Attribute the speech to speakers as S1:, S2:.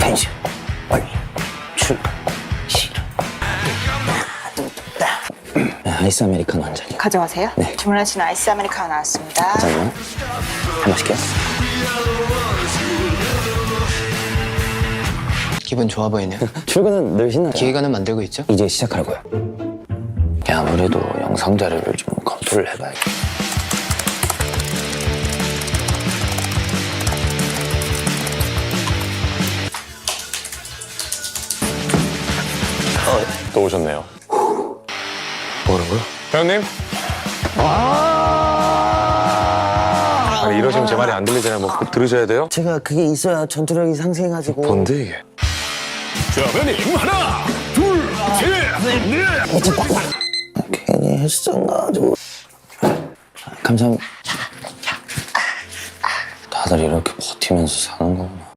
S1: 텐션 올려 출발 시작. 아이스 아메리카노 한 잔이요.
S2: 가져가세요.
S1: 네.
S2: 주문하신 아이스 아메리카노 나왔습니다.
S1: 잠깐만요. 한 번 시켜요.
S3: 기분 좋아 보이네요.
S1: 출근은 늘 신나요.
S3: 기획안은 만들고 있죠?
S1: 이제 시작하라고요. 야, 아무래도 영상 자료를 좀 검토를 해봐야겠다.
S4: 또 오셨네요.
S1: 뭐라고요?
S4: 회원님? 아니 이러시면 제 말이 안 들리잖아요. 뭐 꼭 들으셔야 돼요?
S1: 제가 그게 있어야 전투력이 상승해가지고.
S4: 뭔데 이게? 자, 회원님 하나, 둘, 셋, 넷.
S1: 괜히 헬스장 가가지고. 감사합니다. 다들 이렇게 버티면서 사는 거구나.